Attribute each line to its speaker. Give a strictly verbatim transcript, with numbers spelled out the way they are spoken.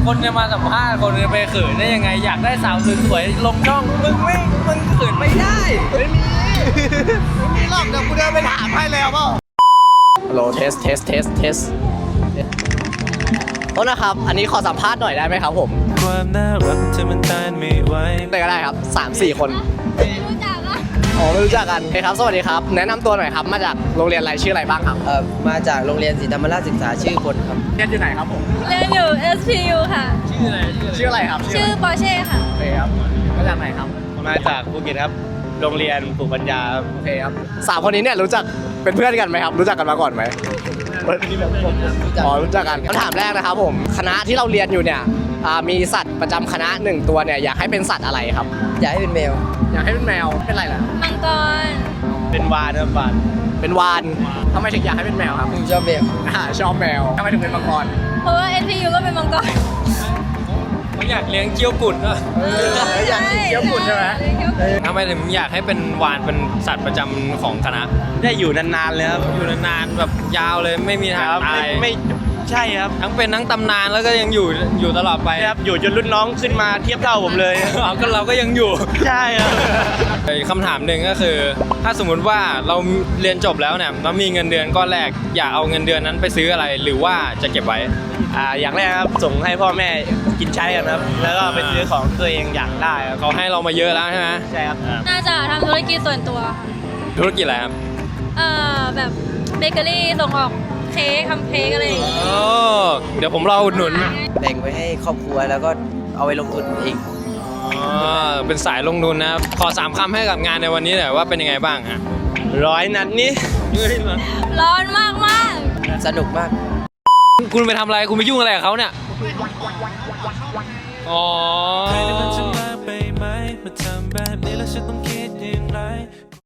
Speaker 1: คนจะมาสัมภาษณ์คนจะไปเขินได้ยังไงอยากได้สาวสวยๆลงช่องมึงไม่มึงเขินไม่ได้ไม่มีไม่มีหรอกเดี๋ยวกูเดินไปถามให้แล้วเปล่าฮัลโหลเทสเทสเทสเทสโทษนะครับอันนี้ขอสัมภาษณ์หน่อยได้ไหมครับผม
Speaker 2: ความน่ารักเธอมันต้านไม่ไหว
Speaker 1: ได้ก็ได้ครับสามสี่คน
Speaker 3: รู้จักอ่ะ
Speaker 1: อ๋อไม่รู้จักกันโอเคครับสวัสดีครับแนะนำตัวหน่อยครับมาจากโรงเรียนอะไรชื่ออะไรบ้างครับ
Speaker 4: เอ่อมาจากโรงเรียนศรีธรรมราชศึกษาชื่อคนครับ
Speaker 1: เรียนอยู่ไหนครับผม
Speaker 3: เรียนอยู่ เอส พี ยู ค่ะ
Speaker 1: ชื่ออะไรชื่ออะไรครับ
Speaker 3: ชื่อปอร์เช่ค่ะ
Speaker 1: โอเคครับมาจากไหนครับ
Speaker 5: มาจากภูเก็ตครับโรงเรียนปลูกปัญญา
Speaker 1: โอเคครับสามคนนี้เนี่ยรู้จักเป็นเพื่อนกันไหมครับรู้จักกันมาก่อนไหมอ๋อรู้จักกันคำถามแรกนะครับผมคณะที่เราเรียนอยู่เนี่ยมีสัตว์ประจำคณะหนึ่งตัวเนี่ยอยากให้เป็นสัตว์อะไรครับ
Speaker 4: อยากให้เป็นแมว
Speaker 1: อยากให้เป็นแมวเป็นอะไรล่ะ
Speaker 3: มังกร
Speaker 5: เป็นวานครับวาน
Speaker 1: เป็นวานทำไมถึงอยากให้เป็นแมวครับ
Speaker 4: ชอบแมว
Speaker 1: อ่าชอบแมวทำไมถึงเป็นมังกร
Speaker 3: เพราะว่า เอส พี ยู ก็เป็นมังกร
Speaker 1: เขาอยากเลี้ยงเกี้ยวกุดอะอยากกินเกี้ยวกุดใช่ไหมทำไมถึงอยากให้เป็นวานเป็นสัตว์ประจำของคณะ
Speaker 5: ได้อยู่นานๆเลยครับ
Speaker 1: อยู่นานๆแบบยาวเลยไม่มีทางตาย
Speaker 5: ไม่ใช่ครับ
Speaker 1: ทั้งเป็นทั้งตำนานแล้วก็ยังอยู่อยู่ตลอดไป
Speaker 5: ครับอยู่จนรุ่นน้องขึ้นมาเทียบเท่าผมเลย
Speaker 1: ก็เราก็ยังอยู่
Speaker 5: ใช่ครับ
Speaker 1: คำถามหนึ่งก็คือถ้าสมมุติว่าเราเรียนจบแล้วเนี่ยเรามีเงินเดือนก้อนแรกอยากเอาเงินเดือนนั้นไปซื้ออะไรหรือว่าจะเก็บไว้
Speaker 5: อ่าอย่างแรกครับส่งให้พ่อแม่กินใช้กันครับแล้วก็ไปซื้อของตัวเองอยากได้
Speaker 1: เขาให้เรามาเยอะแล้วใช่ไหม
Speaker 5: ใช่ครับ
Speaker 3: น่าจะทำธุรกิจส่วนตัว
Speaker 1: ธุรกิจอะไรครับ
Speaker 3: เอ่อแบบเบเกอรี่ส่งออกเค้กทำเค้กอะไรอย่างเงี้ย
Speaker 1: เดี๋ยวผมรออุดหนุน
Speaker 4: แบ่งไว้ให้ครอบครัวแล้วก็เอาไว้ลงทุนอีก
Speaker 1: เป็นสายลงทุนนะครับขอสามคำให้กับงานในวันนี้หน่อยว่าเป็นยังไงบ้างฮะ
Speaker 5: ร้อยนัดนี่
Speaker 3: ร้อนมากมาก
Speaker 4: สนุกมาก
Speaker 1: คุณไปทำอะไรคุณไปยุ่งอะไรกับเขาเนี่ยอ๋อ